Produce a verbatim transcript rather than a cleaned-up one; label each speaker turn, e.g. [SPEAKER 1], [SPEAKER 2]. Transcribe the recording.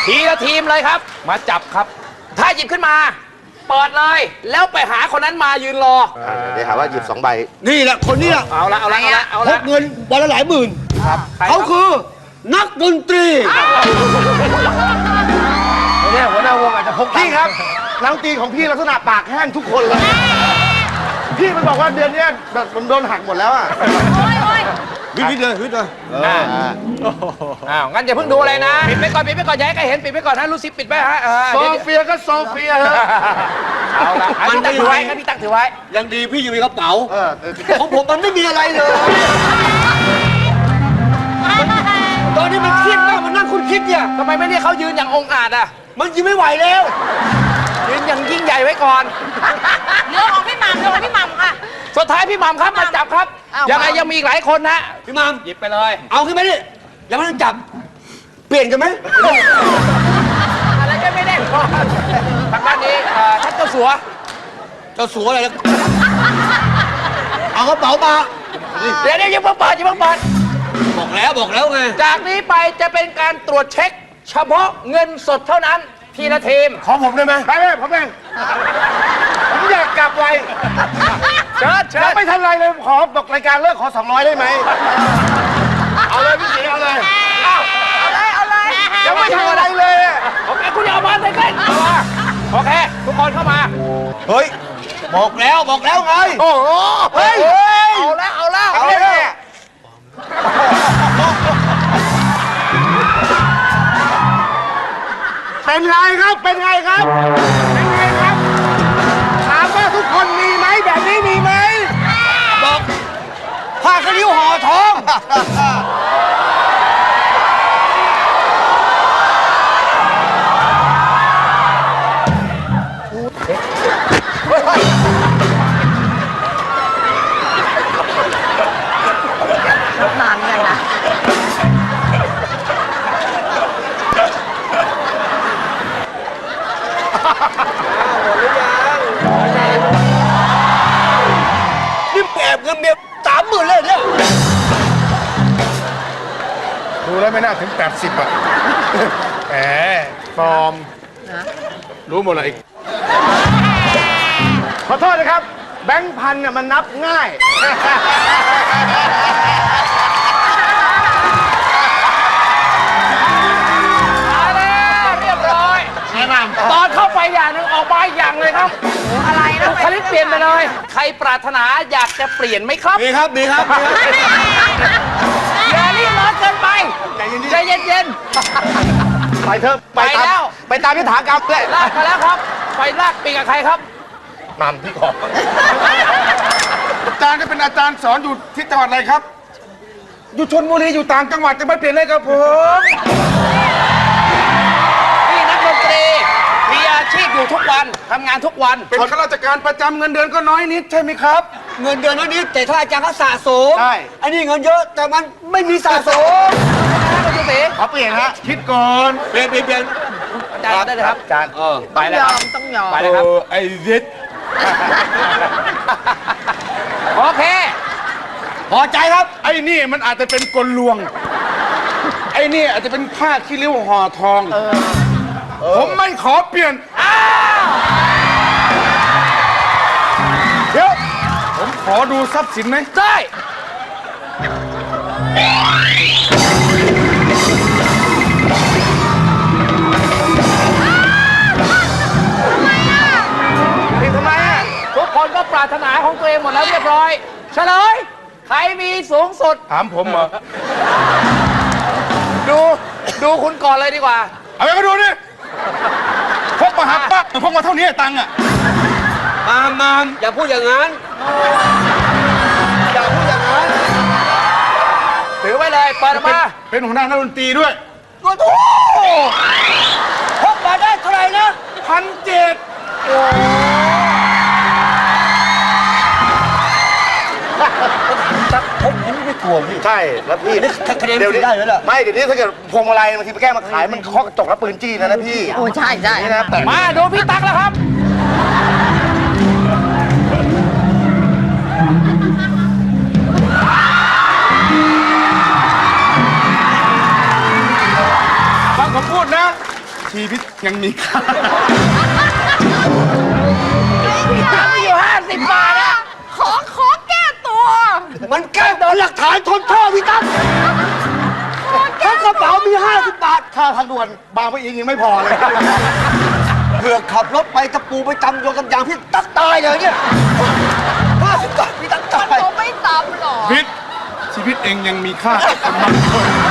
[SPEAKER 1] ทีละทีมเลยครับ มาจับครับ ถ้าหยิบขึ้นมา เปิดเลย แล้วไปหาคนนั้นมายืนรอ
[SPEAKER 2] เดี๋ยวหาว่าหยิบสองใบ
[SPEAKER 3] นี่แหละคนนี้
[SPEAKER 1] เอาละเอาละเอาละเอา
[SPEAKER 3] พ
[SPEAKER 1] ละ
[SPEAKER 3] กเงินวันละหลายหมื่น
[SPEAKER 1] ครับใคร
[SPEAKER 3] เขาคือนักดนตรี
[SPEAKER 2] เนี่ยหัวหน้าวงอาจจะพกพี่ครับนักดนตรีของพี่ลักษณะปากแห้งทุกคนเลยพี่มันบอกว่าเดือนนี้แบบมันโดนหักหมดแล้วอ่ะ
[SPEAKER 3] วิทย์วิทย์เลยวิทย์เลย
[SPEAKER 1] อ่าอ้าวงั้นอย่าเพิ่งดูอะไรนะ ปิดไปก่อนปิดไปก่อนอย่าให้ใครเห็นปิดไปก่อนนะลูซิปปิดไปฮะเออ
[SPEAKER 2] โซ
[SPEAKER 1] เดี๋ยว
[SPEAKER 2] เฟียก็โซเฟียฮะ
[SPEAKER 1] เอาละอันนี้ตั้งถือไว้งั้นพี่ตั้งถือไว้
[SPEAKER 3] ยังดีพี่อยู่ในกระเป๋า
[SPEAKER 2] เออ
[SPEAKER 3] ของผมมันไม่มีอะไรเลย ตอนนี้มันเครียดมากมันนั่งคุณคิดเนี่ย
[SPEAKER 1] ทำไมไม่เรียกเขายืนอย่างองอาจอ่ะ
[SPEAKER 3] มันยืนไม่ไหวแล้ว
[SPEAKER 1] ยืนอย่างยิ่งใหญ่ไว้ก่อน
[SPEAKER 4] เรื่องของพี่หม่ำเรื่องของพี่หม่ำค่ะ
[SPEAKER 1] สุดท้ายพี่หม่ำครับมาจับครับ
[SPEAKER 4] อ้าว
[SPEAKER 1] ยังไงยังมีอีกหลายคนนะ
[SPEAKER 3] พี่มาม
[SPEAKER 1] หยิบไปเลย
[SPEAKER 3] เอาขึ้นมาดิยังไม่ต้องจับ เปลี่ยนกันไหม
[SPEAKER 1] อะไรก็ไม่ได้พอทางด้านนี้เอ่อท่านเจ้าสัว
[SPEAKER 3] เจ้าสัวอะไรนะเอากระเป๋ามา
[SPEAKER 1] เดี๋ยวเดี๋ยวอย่าเพิ่งเปิดอย่าเพิ่งเปิด
[SPEAKER 3] บอกแล้วบอกแล้วไง
[SPEAKER 1] จากนี้ไปจะเป็นการตรวจเช็ค เฉพาะเงินสดเท่านั้นทีละทีม
[SPEAKER 2] ของผมได้ไหมไปเลยผมเองผมอยากกลับไว
[SPEAKER 1] เชิญเชิ
[SPEAKER 2] ยัง
[SPEAKER 1] ญ
[SPEAKER 2] ไม่ทันไรเลยขอบอกรายการเลิกขอสองร้อยได้ไหมเอาเลยพี่สีเอาเลย
[SPEAKER 1] อ้าว
[SPEAKER 4] เอาเลย เอาเลย
[SPEAKER 2] ยังไม่ทำอะไรเลยอะ
[SPEAKER 1] โอเคคุณอย่าเอามาใส่เส้นเอามาโอเค ทุกคนเข้ามา
[SPEAKER 3] เฮ้ยบอกแล้วบอกแล้วไง
[SPEAKER 2] โอ้โหเฮ้ย
[SPEAKER 1] เอาแล้วเอาแล้ว
[SPEAKER 2] เอาเลยเป็นไงครับเป็นไงครับเป็นไงครับถามว่าทุกคนมีไหมแบบนี้มีไหม
[SPEAKER 3] บอกผ้าขนิ้วห่อทอง
[SPEAKER 4] นานยังนะ
[SPEAKER 3] นี่แอบเงินเมียสามหมื่นเลยเนี่ย
[SPEAKER 2] ดูแล้วไม่น่าถึงแปดสิบอ่ะแหมปลอมรู้หมดเลยขอโทษนะครับ แบงค์พันเนี่ยมันนับง่าย
[SPEAKER 1] มาแล้วเรียบร้อยตอนเข้าไปอย่างหนึ่งออกมาอีกอย่างเลยครับ
[SPEAKER 4] อะไรนะ
[SPEAKER 1] บุคลิกเปลี่ยนไปเลย ใครปรารถนาอยากจะเปลี่ยนไหมครับ
[SPEAKER 3] มีครับมีครับมีครับ
[SPEAKER 1] อย่ารีบร้อนเกินไปใจเย็น
[SPEAKER 2] ไปเถอะ
[SPEAKER 1] ไปแล้ว
[SPEAKER 2] ไปตามพิธากรรมเลย
[SPEAKER 1] ๆลากมาแล้วครับ ไปลากปีกับใครครับ
[SPEAKER 2] นำพี่ขออาจารย์ก็เป็นอาจารย์สอนอยู่ที่จังหวัดอะไรครับ อยู่ชลบุรีอยู่ต่างจังหวัดจะไม่เปลี่ยนเลยครับผม
[SPEAKER 1] นี่นักดนตรีมีอาชีพอยู่ทุกวันทำงานทุกวัน
[SPEAKER 2] เป็นข้าราชการประจำเงินเดือนก็น้อยนิดใช่ไหมครับ
[SPEAKER 3] เงินเดือนเท่านี้แต่ถ้าอาจารย์เขาสะสม
[SPEAKER 2] ใช่
[SPEAKER 3] อันนี้เงินเยอะแต่มันไม่มีสะสม
[SPEAKER 1] นักดนตรี
[SPEAKER 2] ขอเปลี่ยนฮะคิดก่อน
[SPEAKER 3] เปลี่ยนเปลี่ยนเปลี่ยน
[SPEAKER 1] อาจารย์ได้เลยครับ
[SPEAKER 2] อาจารย์
[SPEAKER 3] เออ
[SPEAKER 1] ไปเลยครับ
[SPEAKER 4] ต้องยอม
[SPEAKER 1] ไปเลยครับ
[SPEAKER 2] ไอ้ยิด
[SPEAKER 1] โอเค
[SPEAKER 3] พอใจครับ
[SPEAKER 2] ไอ้นี่มันอาจจะเป็นกลลวง ไอ้นี่อาจจะเป็นผ้าขี้ริ้วห่อทองผมไม่ขอเปลี่ยน
[SPEAKER 1] อ้าว
[SPEAKER 2] เดี๋ยวผมขอดูทรัพย์สินไหม
[SPEAKER 1] ได้
[SPEAKER 2] ผิดทำไมอ่ะ
[SPEAKER 1] ทุกคนก็ปรารถนาของตัวเองหมดแล้วเรียบร้อย เฉลย ใครมีสูงสุด
[SPEAKER 2] ถามผมเหรอ
[SPEAKER 1] ดู ดูคุณก่อนเลยดีกว่า
[SPEAKER 2] เอาไปมาดูนี่พกมาหักปั๊บพกมาเท่านี้ตังค์อ่ะ
[SPEAKER 3] มามมามอย่าพูดอย่างนั้น อย่าพูดอย่างนั้น
[SPEAKER 1] ถือไว้เลยเปิดออกมา
[SPEAKER 2] เป็นหัวหน้านักดนตรีด้วย
[SPEAKER 3] โอ้โหพกมาได้เท่าไหร่นะ
[SPEAKER 2] พันเจ็ด
[SPEAKER 3] พกนี้ไม่กลัวพี่
[SPEAKER 2] ใช่ แล้วพี่
[SPEAKER 3] นี่คะแนนได้ไหมล่ะ
[SPEAKER 2] ไม่เดี๋ยวนี้ถ้าเกิดพวงมาลัยบางทีไปแก้มาขายมันเคาะกระจกแล้วปืนจี้นะนะพี่
[SPEAKER 4] โอ้ใช่ใช่
[SPEAKER 2] นี่นะแต่
[SPEAKER 1] มาดูพี่ตั๊กแล้วครับ
[SPEAKER 2] ฟังผมพูดนะชีวิตยังมีค่า
[SPEAKER 4] มีอยู่ห้าสิบบาทอะขอขอแก้ตัว
[SPEAKER 3] มันแก้โดนหลักฐานทนโทษพี่ตั้มถ้ากระเป๋ามีห้าสิบบาท
[SPEAKER 2] ค่าทางด่วนบางปะอินยังไม่พอเลย
[SPEAKER 3] เผื่อขับรถไปตะปูไปตำโยนกับยางพี่ตักตายเลยเนี่ยห้าสิบบาทพี่ตักตาย
[SPEAKER 4] ผมไม่ตามหรอก
[SPEAKER 2] พิษชีวิตเองยังมีค่าสำหรับคน